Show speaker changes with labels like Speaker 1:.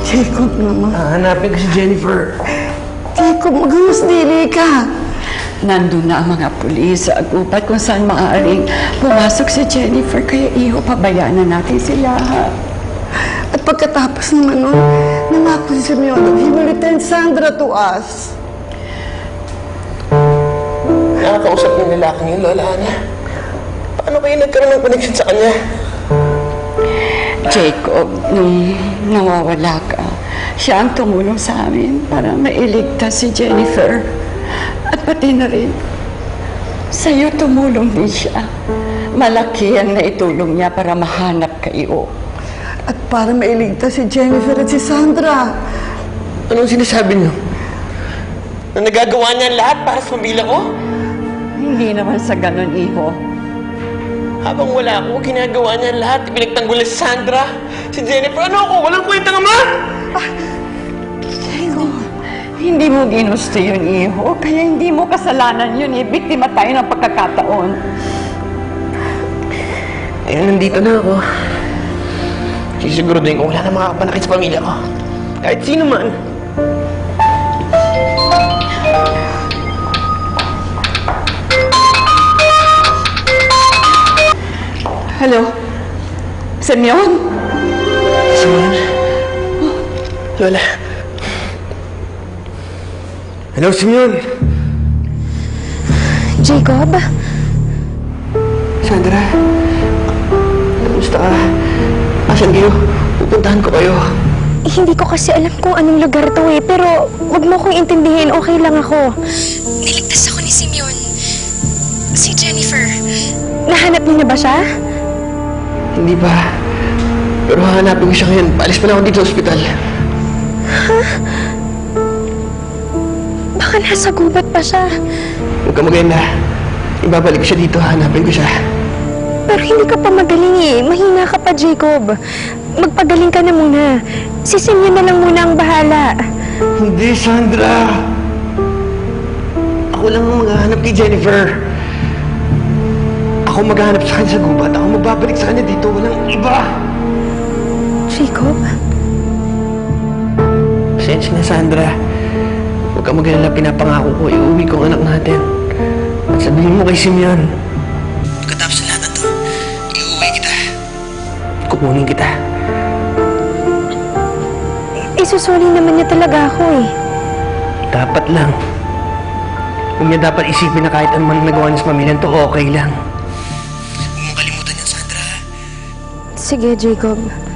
Speaker 1: Jacob naman.
Speaker 2: Hanapin ko si Jennifer.
Speaker 1: Jacob, magamas dili ka.
Speaker 3: Nandun na ang mga pulis sa agupat kung saan maaaring pumasok si Jennifer. Kaya iho, pabayaan na natin sila.
Speaker 1: At pagkatapos naman nun, nangako si Simeon that he will return Sandra to us.
Speaker 2: Nakakausap ng lalaking yun, Lola Ana. Paano kayo nagkaroon ng connection sa kanya?
Speaker 3: Jacob, nung nawawala ka, siya ang tumulong sa amin para mailigtas si Jennifer. At pati na rin, sa'yo tumulong din siya. Malaki ang naitulong niya para mahanap kayo.
Speaker 1: At para mailigtas si Jennifer at si Sandra.
Speaker 2: Anong sinasabi niyo? Na nagagawa niya ang lahat para sa pamilya ko?
Speaker 3: Hindi naman sa ganun, iho.
Speaker 2: Habang wala ako, ginagawa niya ang lahat. Pinagtanggol si Sandra, si Jennifer. Ano ako? Walang kwenta nga, ma!
Speaker 3: Jacob, hindi mo ginusto yun, iho. Kaya hindi mo kasalanan yun, eh. Biktima tayo ng pagkakataon.
Speaker 2: Ayun, nandito na ako. Sisiguraduhin ko wala na makakapanakit sa pamilya ko. Kahit sino man.
Speaker 3: Hello? Simeon?
Speaker 2: Simeon? Lola. Hello, Simeon.
Speaker 4: Jacob?
Speaker 2: Sandra. Kamusta ka? Asan kayo? Pupuntahan ko kayo.
Speaker 4: Hindi ko kasi alam kung anong lugar to eh, pero wag mo kong intindihin, okay lang ako. Niligtas ako ni Simeon. Si Jennifer. Nahanap niyo na ba siya?
Speaker 2: Hindi pa. Pero hahanapin ko siya ngayon. Paalis pa na ako dito sa ospital.
Speaker 4: Baka nasa gubat pa siya.
Speaker 2: Huwag ka maganda. Ibabalik ko siya dito. Hahanapin ko siya.
Speaker 4: Pero hindi ka pa magaling eh. Mahina ka pa, Jacob. Magpagaling ka na muna. Si Simeon na lang muna ang bahala.
Speaker 2: Hindi, Sandra. Ako lang ang maghahanap kay Jennifer. Ako maghahanap sa kanya sa gubat. Ako magbabalik sa kanya dito. Walang iba.
Speaker 4: Jacob?
Speaker 2: Pasensya na, Sandra. Huwag ka mag-alala. Pinapangako ko. Iuwi ko ang anak natin. At sabihin mo kay Simeon. Pagkatapos na lahat ito, iuwi kita. Kukunin kita.
Speaker 4: Isusuli naman niya talaga ako eh.
Speaker 2: Dapat lang. Kung niya dapat isipin na kahit anong nagawa niya sa pamilyan to, okay lang. Huwag mo kalimutan yan, Sandra.
Speaker 4: Sige, Jacob.